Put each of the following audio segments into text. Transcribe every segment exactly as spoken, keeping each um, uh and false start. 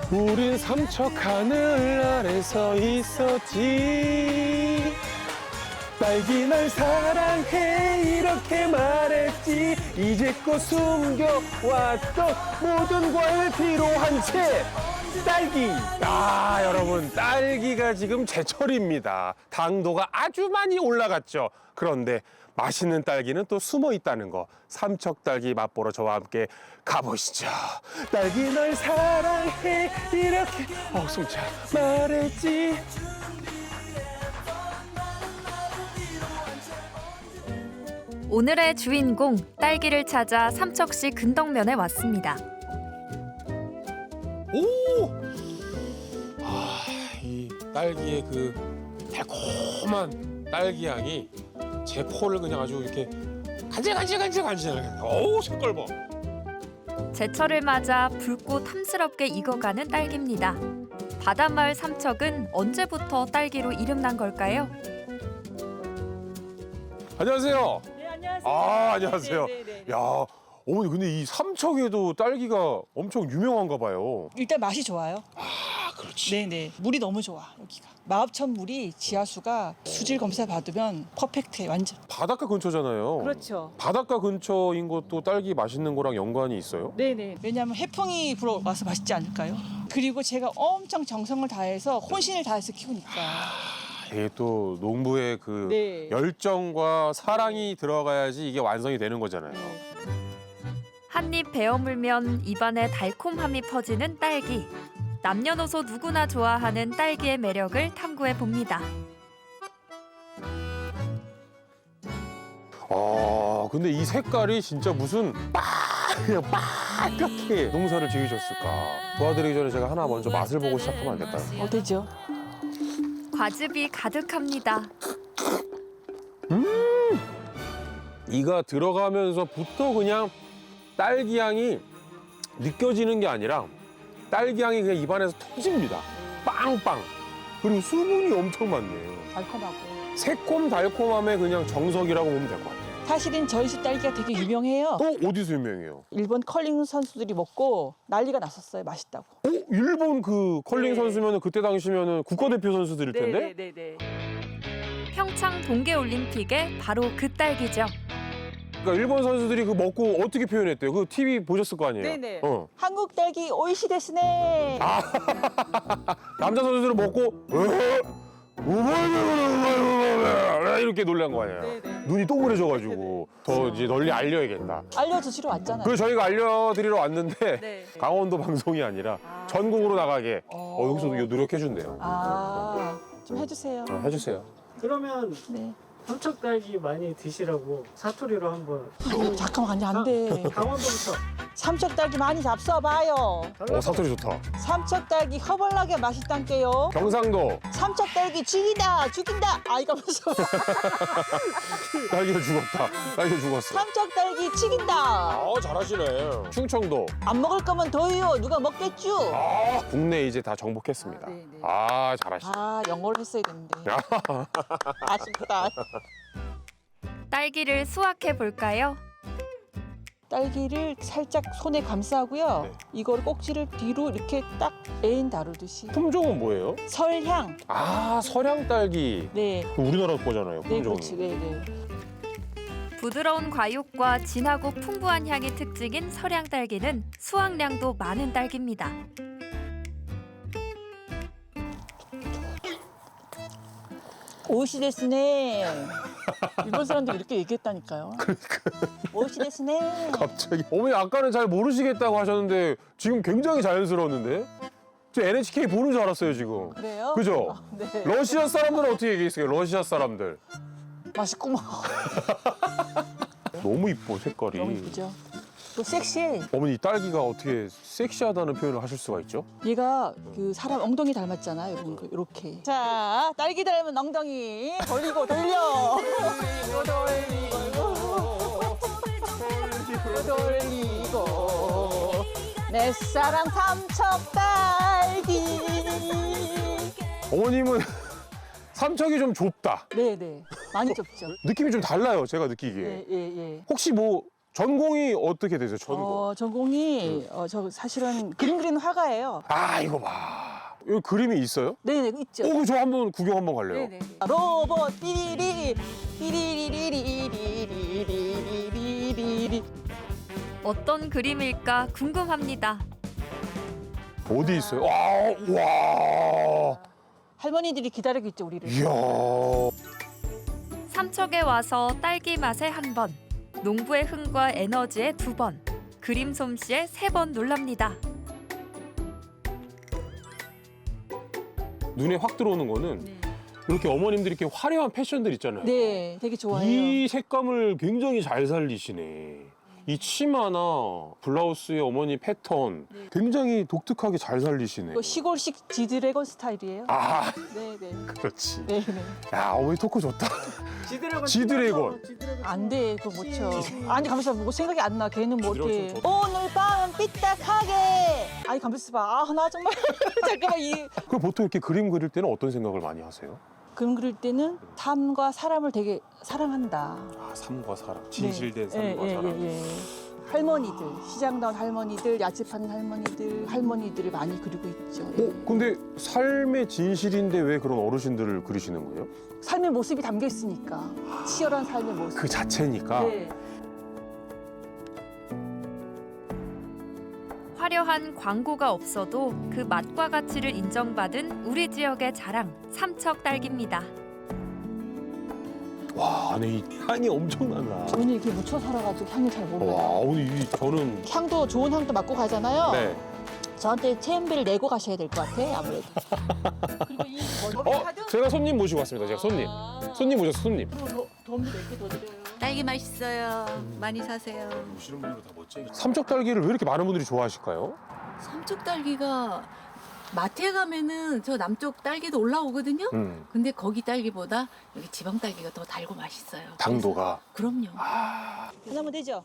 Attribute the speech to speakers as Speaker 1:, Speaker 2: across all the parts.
Speaker 1: 우린 삼척 하늘 아래 서 있었지. 딸기 널 사랑해 이렇게 말했지. 이제껏 숨겨왔던 모든 과일 필요한 채 딸기. 아 여러분, 딸기가 지금 제철입니다. 당도가 아주 많이 올라갔죠. 그런데 맛있는 딸기는 또 숨어 있다는 거, 삼척 딸기 맛보러 저와 함께 가보시죠. 딸기 널 사랑해 이렇게 어 숨차 말했지.
Speaker 2: 오늘의 주인공 딸기를 찾아 삼척시 근덕면에 왔습니다.
Speaker 1: 오! 아, 이 딸기의 그 달콤한 딸기 향이 제 코를 그냥 아주 이렇게 간질간질간질간질. 오, 색깔 봐.
Speaker 2: 제철을 맞아 붉고 탐스럽게 익어가는 딸기입니다. 바닷마을 삼척은 언제부터 딸기로 이름난 걸까요?
Speaker 1: 안녕하세요.
Speaker 3: 네, 안녕하세요.
Speaker 1: 아, 안녕하세요.
Speaker 3: 네, 네, 네, 네.
Speaker 1: 야, 어머니 근데 이 삼척에도 딸기가 엄청 유명한가 봐요.
Speaker 3: 일단 맛이 좋아요.
Speaker 1: 아, 그렇지.
Speaker 3: 네네. 물이 너무 좋아, 여기가. 마읍천 물이 지하수가 수질 검사 받으면 퍼펙트해, 완전.
Speaker 1: 바닷가 근처잖아요.
Speaker 3: 그렇죠.
Speaker 1: 바닷가 근처인 것도 딸기 맛있는 거랑 연관이 있어요?
Speaker 3: 네네. 왜냐하면 해풍이 불어와서 맛있지 않을까요? 그리고 제가 엄청 정성을 다해서 혼신을 다해서 키우니까.
Speaker 1: 이게 또 농부의 그
Speaker 3: 네.
Speaker 1: 열정과 사랑이 들어가야지 이게 완성이 되는 거잖아요.
Speaker 3: 네.
Speaker 2: 한 입 베어 물면 입안에 달콤함이 퍼지는 딸기. 남녀노소 누구나 좋아하는 딸기의 매력을 탐구해 봅니다.
Speaker 1: 아, 근데 이 색깔이 진짜 무슨 빠 그냥 빨갛게 농사를 지으셨을까. 도와드리기 전에 제가 하나 먼저 맛을 보고 시작하면 안 될까요?
Speaker 3: 어때죠?
Speaker 2: 과즙이 가득합니다.
Speaker 1: 이가 들어가면서부터 그냥 딸기 향이 느껴지는 게 아니라 딸기 향이 그냥 입안에서 터집니다. 빵빵. 그리고 수분이 엄청 많네요.
Speaker 3: 달콤하고.
Speaker 1: 새콤 달콤함의 그냥 정석이라고 보면 될 것 같아요.
Speaker 3: 사실은 저희 집 딸기가 되게 유명해요.
Speaker 1: 또 어디서 유명해요?
Speaker 3: 일본 컬링 선수들이 먹고 난리가 났었어요. 맛있다고.
Speaker 1: 어? 일본 그 컬링
Speaker 3: 네.
Speaker 1: 선수면은 그때 당시면은 국가대표 선수들일 텐데?
Speaker 3: 네네네.
Speaker 2: 평창 동계올림픽의 바로 그 딸기죠.
Speaker 1: 그러니까 일본 선수들이 그 먹고 어떻게 표현했대요? 그 티비 보셨을 거 아니에요?
Speaker 3: 네네.
Speaker 1: 어.
Speaker 3: 한국 딸기 오이시 데스네.
Speaker 1: 아. 남자 선수들은 먹고 으, 우물우물우물우물 이렇게 놀란 거 아니에요?
Speaker 3: 네네.
Speaker 1: 눈이 동그래져가지고 더 이제 널리 알려야겠다.
Speaker 3: 알려주시러 왔잖아요.
Speaker 1: 그래서 저희가 알려드리러 왔는데
Speaker 3: 네.
Speaker 1: 강원도 방송이 아니라
Speaker 3: 아.
Speaker 1: 전국으로 나가게
Speaker 3: 어.
Speaker 1: 어, 여기서도 노력해준대요.
Speaker 3: 아, 좀 해주세요.
Speaker 1: 어, 해주세요.
Speaker 4: 그러면
Speaker 3: 네.
Speaker 4: 삼척 딸기 많이 드시라고 사투리로 한번
Speaker 3: 아니, 잠깐만, 아니, 안 돼.
Speaker 4: 강원도부터
Speaker 3: 삼척 딸기 많이 잡숴봐요.
Speaker 1: 어, 사투리 좋다.
Speaker 3: 삼척 딸기 허벌나게 맛있단게요.
Speaker 1: 경상도
Speaker 3: 삼척 딸기 죽이다, 죽인다. 아, 이거면서.
Speaker 1: 딸기가 죽었다. 딸기가 죽었어.
Speaker 3: 삼척 딸기 죽인다.
Speaker 1: 아, 잘하시네. 충청도.
Speaker 3: 안 먹을 거면 더해요. 누가 먹겠죠?
Speaker 1: 아, 국내 이제 다 정복했습니다.
Speaker 3: 아, 네, 네.
Speaker 1: 아, 잘하시네.
Speaker 3: 아, 영어를 했어야 되는데. 아쉽다.
Speaker 2: 딸기를 수확해 볼까요?
Speaker 3: 딸기를 살짝 손에 감싸고요.
Speaker 1: 네.
Speaker 3: 이걸 꼭지를 뒤로 이렇게 딱 애인 다루듯이.
Speaker 1: 품종은 뭐예요?
Speaker 3: 설향.
Speaker 1: 아, 서량 딸기.
Speaker 3: 네.
Speaker 1: 그 우리나라 거잖아요,
Speaker 3: 네,
Speaker 1: 품종이.
Speaker 3: 그렇지. 네, 네.
Speaker 2: 부드러운 과육과 진하고 풍부한 향이 특징인 서량 딸기는 수확량도 많은 딸기입니다.
Speaker 3: 오이시 데스네. 일본 사람들이 이렇게 얘기했다니까요. 오이시 데스네.
Speaker 1: 갑자기. 어머니 아까는 잘 모르시겠다고 하셨는데 지금 굉장히 자연스러웠는데? 저 엔에이치케이 보는 줄 알았어요, 지금.
Speaker 3: 그래요?
Speaker 1: 그죠?
Speaker 3: 아, 네.
Speaker 1: 러시아 사람들은 어떻게 얘기했어요? 러시아 사람들.
Speaker 3: 맛있구만.
Speaker 1: 너무 이뻐, 색깔이.
Speaker 3: 너무 이쁘죠? 또 섹시해.
Speaker 1: 어머니 이 딸기가 어떻게 섹시하다는 표현을 하실 수가 있죠?
Speaker 3: 얘가 그 사람 엉덩이 닮았잖아요. 이런 이렇게. 자, 딸기 닮은 엉덩이 돌리고 돌려. 돌리고 돌리고 돌리고 내 사랑 삼척 딸기.
Speaker 1: 어머님은 삼척이 좀 좁다.
Speaker 3: 네네. 많이 좁죠.
Speaker 1: 느낌이 좀 달라요, 제가 느끼기에.
Speaker 3: 예, 예, 예.
Speaker 1: 혹시 뭐 전공이 어떻게 되세요? 전공.
Speaker 3: 어, 전공이 어, 저 사실은 그림 그리는 화가예요.
Speaker 1: 아 이거 봐. 여기 그림이 있어요?
Speaker 3: 네네 있죠.
Speaker 1: 오, 저 한번 구경 한번 갈래요.
Speaker 3: 네네. 로봇 띠리리 띠리리리리리리리리리리리.
Speaker 2: 어떤 그림일까 궁금합니다.
Speaker 1: 어디 있어요? 와, 와.
Speaker 3: 할머니들이 기다리고 있죠 우리를.
Speaker 1: 이야.
Speaker 2: 삼척에 와서 딸기 맛에 한 번, 농부의 흥과 에너지에 두 번, 그림 솜씨에 세 번 놀랍니다.
Speaker 1: 눈에 확 들어오는 거는
Speaker 3: 네.
Speaker 1: 이렇게 어머님들이 이렇게 화려한 패션들 있잖아요.
Speaker 3: 네, 되게 좋아해요.
Speaker 1: 이 색감을 굉장히 잘 살리시네. 이 치마나 블라우스의 어머니 패턴 굉장히 독특하게 잘 살리시네.
Speaker 3: 이거 시골식 지드래곤 스타일이에요.
Speaker 1: 아,
Speaker 3: 네네.
Speaker 1: 그렇지.
Speaker 3: 네네.
Speaker 1: 야, 어머니 토크 좋다.
Speaker 4: 지드래곤.
Speaker 1: 지드래곤.
Speaker 4: 지드래곤.
Speaker 3: 안 돼, 그거 못 쳐. 아니, 가만있어 봐. 뭐 생각이 안 나. 걔는 뭐
Speaker 1: 지드래곤
Speaker 3: 이렇게.
Speaker 1: 좀
Speaker 3: 오늘 밤은 삐딱하게. 아니, 가만있어 봐. 아, 나 정말. 잠깐만, 이.
Speaker 1: 그럼 보통 이렇게 그림 그릴 때는 어떤 생각을 많이 하세요?
Speaker 3: 그림 그릴 때는 삶과 사람을 되게 사랑한다.
Speaker 1: 아, 삶과 사랑.
Speaker 3: 네.
Speaker 1: 진실된
Speaker 3: 예,
Speaker 1: 삶과
Speaker 3: 예,
Speaker 1: 사랑.
Speaker 3: 예, 예. 할머니들, 시장 나온 할머니들, 야채 파는 할머니들, 할머니들을 많이 그리고 있죠. 예.
Speaker 1: 어, 근데 삶의 진실인데 왜 그런 어르신들을 그리시는 거예요?
Speaker 3: 삶의 모습이 담겨 있으니까. 치열한 삶의 모습.
Speaker 1: 그 자체니까.
Speaker 3: 네.
Speaker 2: 화려한 광고가 없어도 그 맛과 가치를 인정받은 우리 지역의 자랑, 삼척 딸기입니다.
Speaker 1: 와, 안에 이 향이 엄청나다.
Speaker 3: 저는 이렇게 묻혀 살아가지고 향이 잘 몰라요.
Speaker 1: 와, 오늘 이 저는
Speaker 3: 향도 좋은 향도 맡고 가잖아요.
Speaker 1: 네.
Speaker 3: 저한테 체험비를 내고 가셔야 될 것 같아 아무래도. 그리고 이
Speaker 1: 어, 제가 손님 모시고 왔습니다. 제가 손님. 손님 모셨어, 손님.
Speaker 3: 돈도 몇 개 더 드려요.
Speaker 5: 딸기 맛있어요. 많이 사세요.
Speaker 1: 보시는 분들은 다 멋쟁이. 삼척 딸기를 왜 이렇게 많은 분들이 좋아하실까요?
Speaker 5: 삼척 딸기가 마트에 가면은 저 남쪽 딸기도 올라오거든요.
Speaker 1: 음,
Speaker 5: 근데 거기 딸기보다 여기 지방 딸기가 더 달고 맛있어요.
Speaker 1: 당도가.
Speaker 5: 그래서- 그럼요.
Speaker 3: 하나면 되죠?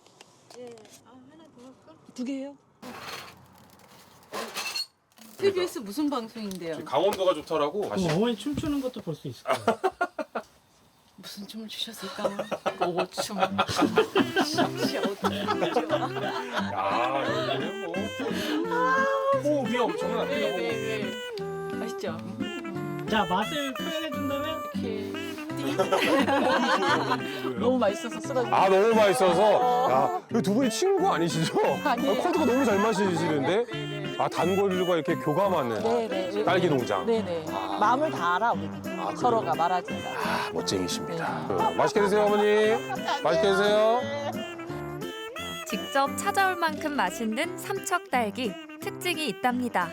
Speaker 3: 두 개요?
Speaker 5: 티비에스 무슨 방송인데요?
Speaker 1: 강원도가 좋다라고.
Speaker 4: 그럼 어머니 춤추는 것도 볼 수 있을 거예요.
Speaker 5: 무슨 춤을 추셨을까? 오춤.
Speaker 1: 야, 여기는 뭐 호흡이 엄청나네요.
Speaker 5: 맛있죠?
Speaker 4: 자, 맛을 표현해 준다면
Speaker 3: 너무 맛있어서 쓰러져.
Speaker 1: 아, 너무 맛있어서. 야, 이두 분이 친구 아니시죠?
Speaker 3: 아니에요.
Speaker 1: 아, 코드가 너무 잘 마시시는데. 아, 단골들과 이렇게 교감하는
Speaker 3: 네네.
Speaker 1: 딸기 농장.
Speaker 3: 네네. 마음을 다 알아 우리.
Speaker 1: 그래요?
Speaker 3: 서로가 말하지 않아.
Speaker 1: 아, 멋쟁이십니다. 어, 맛있게 드세요, 어머니. 맛있게 드세요.
Speaker 2: 직접 찾아올 만큼 맛있는 삼척 딸기, 특징이 있답니다.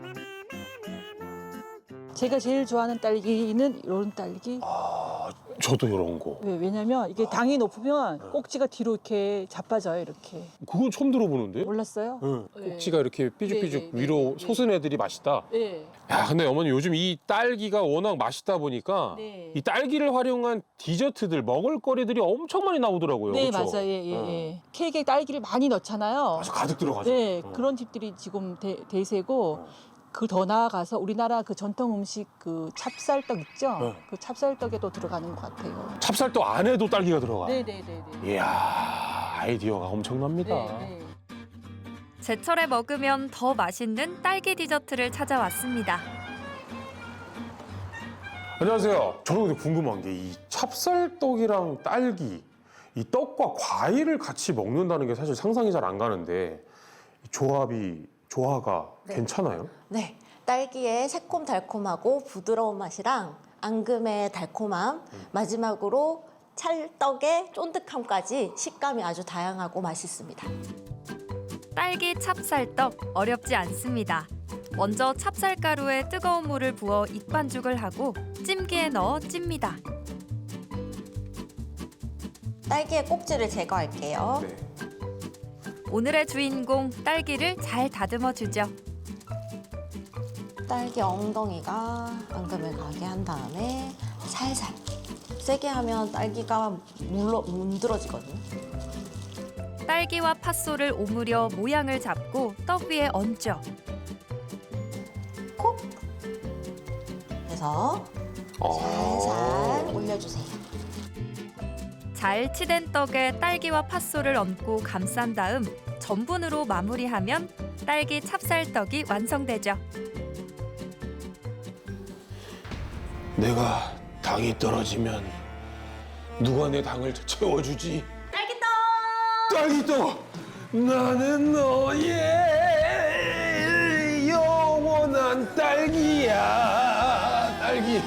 Speaker 3: 제가 제일 좋아하는 딸기는 이런 딸기.
Speaker 1: 아, 저도 이런 거.
Speaker 3: 왜, 왜냐면 이게 당이 높으면 꼭지가 뒤로 이렇게 자빠져요 이렇게.
Speaker 1: 그건 처음 들어보는데?
Speaker 3: 몰랐어요?
Speaker 1: 응.
Speaker 3: 네.
Speaker 1: 꼭지가 이렇게 삐죽삐죽
Speaker 3: 네, 네,
Speaker 1: 위로
Speaker 3: 네, 네.
Speaker 1: 솟은 애들이 맛있다.
Speaker 3: 네.
Speaker 1: 야, 근데 어머니 요즘 이 딸기가 워낙 맛있다 보니까
Speaker 3: 네.
Speaker 1: 이 딸기를 활용한 디저트들, 먹을거리들이 엄청 많이 나오더라고요.
Speaker 3: 네
Speaker 1: 그쵸?
Speaker 3: 맞아요. 예, 예,
Speaker 1: 어.
Speaker 3: 예. 케이크에 딸기를 많이 넣잖아요.
Speaker 1: 아주 가득 들어가죠.
Speaker 3: 네,
Speaker 1: 어.
Speaker 3: 그런 집들이 지금 대, 대세고
Speaker 1: 어.
Speaker 3: 그 더 나아가서 우리나라 그 전통 음식 그 찹쌀떡 있죠?
Speaker 1: 네.
Speaker 3: 그 찹쌀떡에도 들어가는 것 같아요.
Speaker 1: 찹쌀떡 안에도 딸기가 들어가.
Speaker 3: 네네네네.
Speaker 1: 이야, 아이디어가 엄청납니다.
Speaker 3: 네, 네.
Speaker 2: 제철에 먹으면 더 맛있는 딸기 디저트를 찾아왔습니다.
Speaker 1: 안녕하세요. 저는 근데 궁금한 게 이 찹쌀떡이랑 딸기, 이 떡과 과일을 같이 먹는다는 게 사실 상상이 잘 안 가는데 이 조합이 조화가
Speaker 6: 네.
Speaker 1: 괜찮아요?
Speaker 6: 네, 딸기의 새콤달콤하고 부드러운 맛이랑 앙금의 달콤함, 마지막으로 찰떡의 쫀득함까지 식감이 아주 다양하고 맛있습니다.
Speaker 2: 딸기 찹쌀떡 어렵지 않습니다. 먼저 찹쌀가루에 뜨거운 물을 부어 익반죽을 하고 찜기에 넣어 찝니다.
Speaker 6: 딸기의 꼭지를 제거할게요.
Speaker 1: 네.
Speaker 2: 오늘의 주인공 딸기를 잘 다듬어 주죠.
Speaker 6: 딸기 엉덩이가 앙금을 가게 한 다음에 살살 세게 하면 딸기가 물러 문드러지거든요.
Speaker 2: 딸기와 팥소를 오므려 모양을 잡고 떡 위에 얹죠.
Speaker 6: 콕! 해서 살살 올려주세요.
Speaker 2: 잘 치댄 떡에 딸기와 팥소를 얹고 감싼 다음 전분으로 마무리하면 딸기 찹쌀떡이 완성되죠.
Speaker 1: 내가 당이 떨어지면 누가 내 당을 채워주지? 딸기떡! 딸기떡! 나는 너의 영원한 딸기야. 딸기.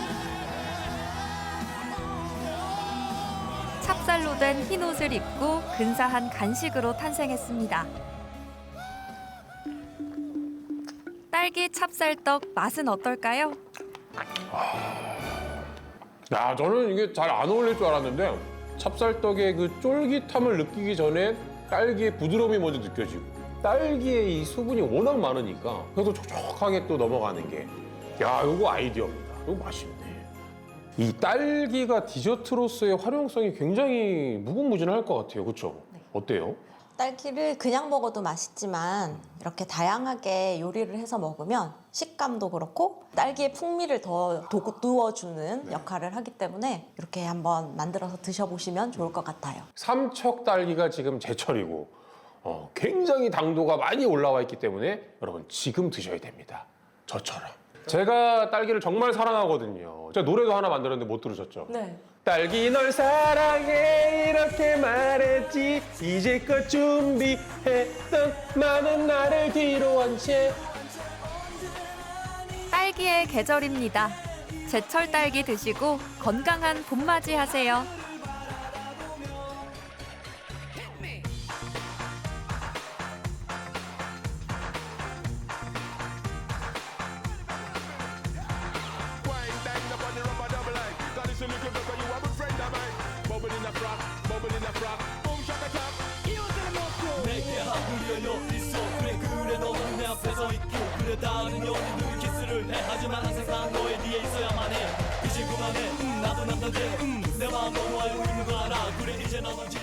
Speaker 2: 찹쌀로 된 흰 옷을 입고 근사한 간식으로 탄생했습니다. 딸기 찹쌀떡 맛은 어떨까요?
Speaker 1: 야, 저는 이게 잘 안 어울릴 줄 알았는데 찹쌀떡의 그 쫄깃함을 느끼기 전에 딸기의 부드러움이 먼저 느껴지고 딸기의 이 수분이 워낙 많으니까 그래도 촉촉하게 또 넘어가는 게 야, 요거 아이디어입니다. 이거 맛있네. 이 딸기가 디저트로서의 활용성이 굉장히 무궁무진할 것 같아요. 그렇죠? 어때요?
Speaker 6: 딸기를 그냥 먹어도 맛있지만 이렇게 다양하게 요리를 해서 먹으면 식감도 그렇고 딸기의 풍미를 더 돋구어주는 역할을 하기 때문에 이렇게 한번 만들어서 드셔보시면 좋을 것 같아요.
Speaker 1: 삼척 딸기가 지금 제철이고 어, 굉장히 당도가 많이 올라와 있기 때문에 여러분 지금 드셔야 됩니다. 저처럼. 제가 딸기를 정말 사랑하거든요. 제가 노래도 하나 만들었는데 못 들으셨죠?
Speaker 6: 네.
Speaker 1: 딸기 널 사랑해 이렇게 말했지 이제껏 준비했던 많은 나를 뒤로 한 채.
Speaker 2: 딸기의 계절입니다. 제철 딸기 드시고 건강한 봄맞이 하세요.
Speaker 7: 내게 하울려요 있어 그래 그래 너는 내 앞에 서 있고 그래 다른 연인들 키스를 해 하지만 항상 너의 뒤에 있어야만 해 이제 그만해 음, 나도 남잔데 음, 내 마음 너무 알고 있는 거 알아 그래 이제 나도